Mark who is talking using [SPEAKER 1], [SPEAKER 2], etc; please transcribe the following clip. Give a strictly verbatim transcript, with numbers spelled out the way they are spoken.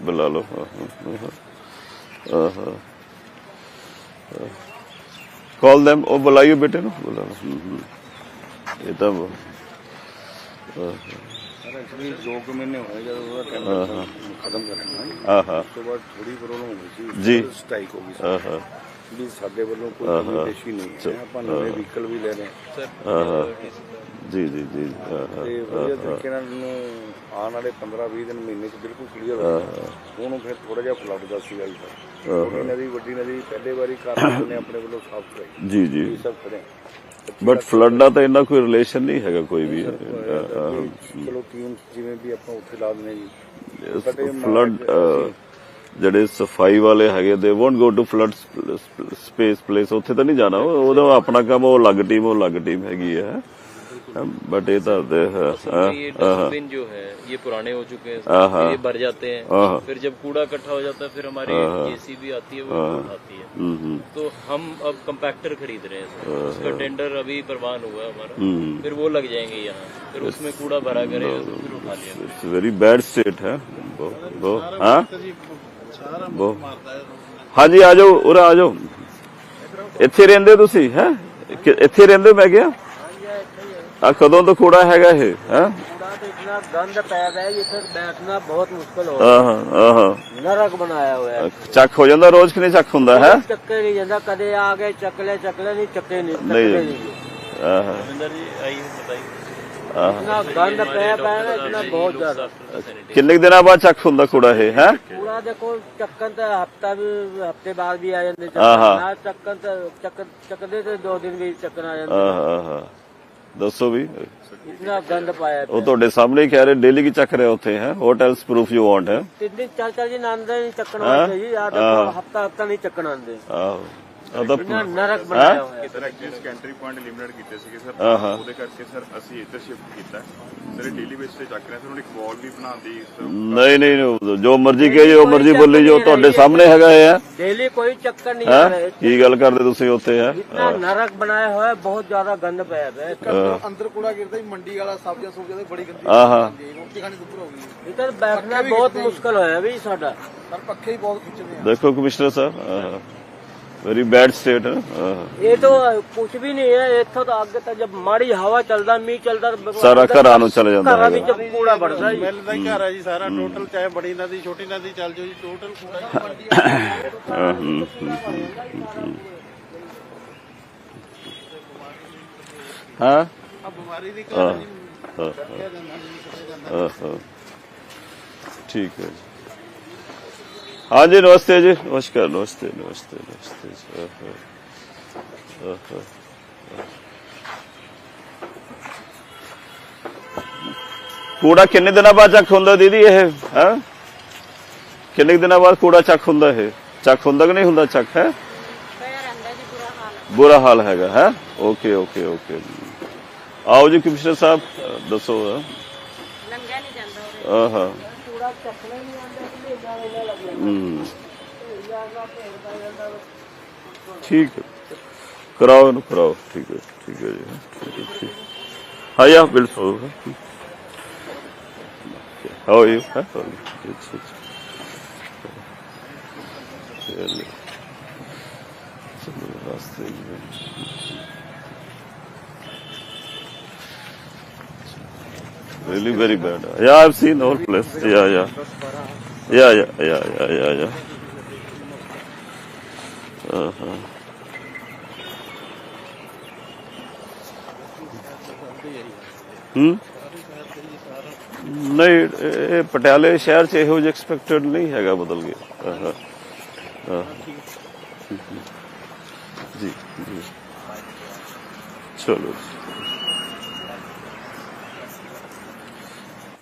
[SPEAKER 1] बुला लो। Call them, वो बुलाइयो बेटे नु, बुला लो। ये तो
[SPEAKER 2] एक्चुअली दो कुछ महीने होए जब ਉਹਦਾ ਟੈਂਡਰ ਖਤਮ ਕਰਨਾ
[SPEAKER 1] हाँ हाँ
[SPEAKER 2] ਉਸ ਤੋਂ ਬਾਅਦ ਥੋੜੀ ਪ੍ਰੋਬਲਮ ਹੋ ਗਈ ਸੀ
[SPEAKER 1] ਜੀ।
[SPEAKER 2] ਸਟ੍ਰਾਈਕ ਹੋ ਗਈ
[SPEAKER 1] हाँ हाँ
[SPEAKER 2] ਸੀ ਵੀ ਸਾਡੇ ਵੱਲੋਂ ਕੋਈ ਕਮਿਊਨੀਕੇਸ਼ਨ ਨਹੀਂ ਹੈ ਆਪਾਂ ਨਵੇਂ ਵਹੀਕਲ ਵੀ ਲੈ ਰਹੇ
[SPEAKER 1] हाँ हाँ जी जी जी हाँ हाँ
[SPEAKER 2] ਤੇ ਵਧੀਆ ਤਰੀਕੇ ਨਾਲ ਨੂੰ ਆਉਣ ਵਾਲੇ ਪੰਦਰਾਂ ਵੀਹ ਦਿਨ ਮਹੀਨੇ ਚ ਬਿਲਕੁਲ ਕਲੀਅਰ ਹੋ ਜਾਣਾ। ਉਹਨੂੰ ਫਿਰ ਥੋੜਾ ਜਿਹਾ ਫਲੱਡ ਦਾ ਸੀਗਾ ਜੀ ਛੋਟੀ ਨਦੀ ਵੱਡੀ ਨਦੀ ਪਹਿਲੇ ਵਾਰੀ ਕਾਰਨ ਨੇ ਆਪਣੇ ਵੱਲੋਂ ਸਾਫ਼ ਕਰਾਈ
[SPEAKER 1] जी जी
[SPEAKER 2] ਇਹ ਸਭ ਖੜੇ
[SPEAKER 1] बट फ्लड ਦਾ ਤਾਂ ਇੰਨਾ ਕੋਈ ਰਿਲੇਸ਼ਨ ਨਹੀਂ ਹੈਗਾ ਕੋਈ ਵੀ।
[SPEAKER 2] ਚਲੋ ਟੀਮ ਜਿਵੇਂ ਵੀ ਆਪਾਂ ਉੱਥੇ ਲਾ ਦਿੰਦੇ ਜੀ
[SPEAKER 1] ਫਲੱਡ ਜਿਹੜੇ ਸਫਾਈ ਵਾਲੇ ਹੈਗੇ they won't go to flood space place, ਉੱਥੇ ਤਾਂ ਨਹੀਂ ਜਾਣਾ, ਉਹਦਾ ਆਪਣਾ ਕੰਮ, ਉਹ ਅਲੱਗ ਟੀਮ ਉਹ ਅਲੱਗ ਟੀਮ ਹੈਗੀ ਹੈ। बट ये तो
[SPEAKER 3] ये डस्टबिन जो है ये पुराने हो चुके हैं, ये भर जाते हैं, फिर जब कूड़ा इकट्ठा हो जाता है फिर हमारी जेसीबी आती है वो उठाती है। तो हम अब कंपैक्टर खरीद रहे हैं सर, उसका टेंडर अभी प्रवान हुआ है हमारा, फिर वो लग जाएंगे यहाँ, फिर उसमें कूड़ा भरा करेगा तो फिर उठा लिया।
[SPEAKER 1] इट्स वेरी बैड स्टेट है वो वो हाँ वो हाँ जी आ जाओ उरा आ जाओ। ਇੱਥੇ ਰਹਿੰਦੇ ਤੁਸੀਂ ਹੈ? ਇੱਥੇ ਰਹਿੰਦੇ ਮੈਂ ਕਿਹਾ ਆ ਕਦੋਂ ਤੋਂ ਕੂੜਾ ਹੈਗਾ ਇਹ ਹੈ?
[SPEAKER 4] कूड़ा तो इतना गंद पैदा है, इधर बैठना बहुत मुश्किल हो
[SPEAKER 1] ਆਹਾਂ ਆਹਾਂ
[SPEAKER 4] नरक बनाया हुआ है।
[SPEAKER 1] ਚੱਕ ਹੋ ਜਾਂਦਾ ਰੋਜ਼ ਕਿ ਨਹੀਂ ਚੱਕ ਹੁੰਦਾ ਹੈ?
[SPEAKER 4] चक्के नहीं जाता, कदे आ गए चकले चकले नहीं चक्के नहीं
[SPEAKER 1] नहीं।
[SPEAKER 4] चकले नहीं।
[SPEAKER 1] ਆਹਾਂ
[SPEAKER 3] रविंदर जी आइए बताइए।
[SPEAKER 4] इतना गंद पैदा है ना, इतना बहुत ज्यादा।
[SPEAKER 1] ਕਿੰਨੇ ਕੁ ਦਿਨਾਂ ਬਾਅਦ ਚੱਕ ਹੁੰਦਾ ਕੂੜਾ ਇਹ ਹੈ?
[SPEAKER 4] कूड़ा देखो चक्कन तो हफ्ता भी हफ्ते बाद भी आ जाते,
[SPEAKER 1] आहा।
[SPEAKER 4] चक्कन तो चक्कर चकदे तो दो दिन भी चक्कर आ जाते।
[SPEAKER 1] ਆਹਾਂ ਆਹਾਂ ਦੱਸੋ ਵੀ।
[SPEAKER 4] इतना गंद पाया
[SPEAKER 1] ਉਹ ਤੁਹਾਡੇ ਸਾਹਮਣੇ ਹੀ ਕਹਿ ਰਹੇ ਡੇਲੀ ਕੀ ਚੱਕ ਰਹੇ ਉੱਥੇ ਹੈ? ਹੋਟਲਸ ਪ੍ਰੂਫ ਯੂ ਵਾਂਟ ਹੈ?
[SPEAKER 4] तीन दिन चार चार दिन आंदे नहीं चक्कन वास्ते जी, आ देखो हफ्ता हफ्ता नहीं चक्कन आंदे,
[SPEAKER 1] ਆਹੋ ਉਹ ਤਾਂ
[SPEAKER 4] इतना नरक बनाया हुआ है।
[SPEAKER 5] Sir actually sentry point limited ਕੀਤੇ ਸੀਗੇ ਸਰ,
[SPEAKER 1] ਆਹਾ।
[SPEAKER 5] ਉਹਦੇ ਕਰਕੇ ਸਰ ਅਸੀਂ ਇੱਧਰ ਸ਼ਿਫਟ ਕੀਤਾ ਸਰ। ਇਹ ਡੇਲੀ ਬੇਸ ਤੇ ਚੱਕ ਰਹੇ ਸਰ, ਹੁਣ ਇੱਕ ਵਾਲ ਵੀ ਬਣਾਉਂਦੀ
[SPEAKER 1] ਨਹੀਂ ਨਹੀਂ ਜੋ ਮਰਜ਼ੀ ਕਹੇ ਜੋ ਮਰਜ਼ੀ ਬੋਲੀ ਜੋ ਤੁਹਾਡੇ ਸਾਹਮਣੇ ਹੈਗਾ ਇਹ ਹੈ।
[SPEAKER 4] डेली कोई चक्कर नहीं आ रहा
[SPEAKER 1] ਹੈ
[SPEAKER 4] है।
[SPEAKER 1] ਕੀ ਗੱਲ ਕਰਦੇ ਤੁਸੀਂ ਉੱਥੇ ਹੈ?
[SPEAKER 4] इतना नरक बनाया हुआ है, बहुत ज्यादा गंद पैदा है।
[SPEAKER 2] ਅੰਦਰ ਕੂੜਾ ਗਿਰਦਾ ਹੀ ਮੰਡੀ ਵਾਲਾ ਸਬਜ਼ੀਆਂ ਸੁਬਜ਼ੀਆਂ ਦੀ ਬੜੀ ਗੰਦੀ
[SPEAKER 1] ਆਹਾ
[SPEAKER 2] ਰੋਟੀ ਖਾਣੀ ਦੁੱਪਰ ਹੋ ਗਈ
[SPEAKER 4] इधर बैठना बहुत मुश्किल होया भी साडा।
[SPEAKER 2] ਪਰ ਪੱਖੇ ਹੀ ਬਹੁਤ ਖਿੱਚਦੇ ਆ।
[SPEAKER 1] ਦੇਖੋ ਕਮਿਸ਼ਨਰ ਸਾਹਿਬ वेरी बैड स्टेट है।
[SPEAKER 4] ये तो कुछ भी नहीं है, इथों तो आगे तक जब माड़ी हवा चलदा मीह चलदा
[SPEAKER 1] ਸਾਰਾ ਘਰਾਂ ਨੂੰ ਚਲੇ ਜਾਂਦਾ
[SPEAKER 4] ਘਰਾਂ
[SPEAKER 1] ਹੈ।
[SPEAKER 4] ਵਿੱਚ ਕੂੜਾ ਵੜਦਾ ਜੀ।
[SPEAKER 2] ਮਿਲਦਾ ਹੀ ਘਰ ਆ ਜੀ ਸਾਰਾ ਟੋਟਲ, ਚਾਹੇ ਬੜੀ ਨਦੀ ਛੋਟੀ ਨਦੀ ਚੱਲ ਜਾਓ ਜੀ, ਟੋਟਲ ਕੂੜਾ
[SPEAKER 1] ਹਾਂ, ਹਮ, ਹਮ, ਹਮ। ਹਾਂ
[SPEAKER 2] ਆ ਬਿਮਾਰੀ ਦੀ
[SPEAKER 1] ਹਾਂ,
[SPEAKER 2] ਘਰ
[SPEAKER 1] ਹਾਂ, ਹਾਂ, ਹਾਂ। ठीक है जी। हाँ जी नमस्ते जी, नमस्कार नमस्ते नमस्ते नमस्ते जी। हाँ, हाँ, हाँ। ਕੂੜਾ ਕਿੰਨੇ ਦਿਨਾਂ ਬਾਅਦ ਚੱਕ ਹੁੰਦਾ ਦੀਦੀ ਇਹ ਹੈ? ਕਿੰਨੇ ਦਿਨਾਂ ਬਾਅਦ ਕੂੜਾ ਚੱਕ ਹੁੰਦਾ ਇਹ? ਚੱਕ ਹੁੰਦਾ ਕਿ ਨਹੀਂ ਹੁੰਦਾ ਚੱਕ ਹੈ? ਬੁਰਾ ਹਾਲ ਹੈਗਾ ਹੈ। ਓਕੇ ਓਕੇ ਓਕੇ ਆਓ ਜੀ ਕਮਿਸ਼ਨਰ ਸਾਹਿਬ ਦੱਸੋ।
[SPEAKER 6] ਲੰਘਿਆ ਨਹੀਂ ਜਾਂਦਾ
[SPEAKER 1] ਹਾਂ ਹਾਂ
[SPEAKER 4] ਕੂੜਾ ਚੱਕਣਾ ਨਹੀਂ ਆਉਂਦਾ, ਵੇਲਾ ਵੇਲਾ ਲੱਗਦਾ।
[SPEAKER 1] ਹਮ ठीक है कराओ ना कराओ। ठीक है ठीक है जी ठीक है ठीक। हाँ या बिल्कुल हाउ आर यू? चलिए चलो रास्ते में really very bad. Yeah, I've seen all place. Yeah yeah yeah yeah yeah yeah yeah yeah. Uh-huh. ਹੂੰ ਨਹੀਂ ਇਹ ਪਟਿਆਲੇ ਸ਼ਹਿਰ ਚ ਇਹੋ ਜਿਹਾ ਐਕਸਪੈਕਟਡ ਨਹੀਂ ਹੈਗਾ, ਬਦਲ ਗਿਆ। ਹਾਂ ਹਾਂ ਜੀ ਜੀ ਚਲੋ।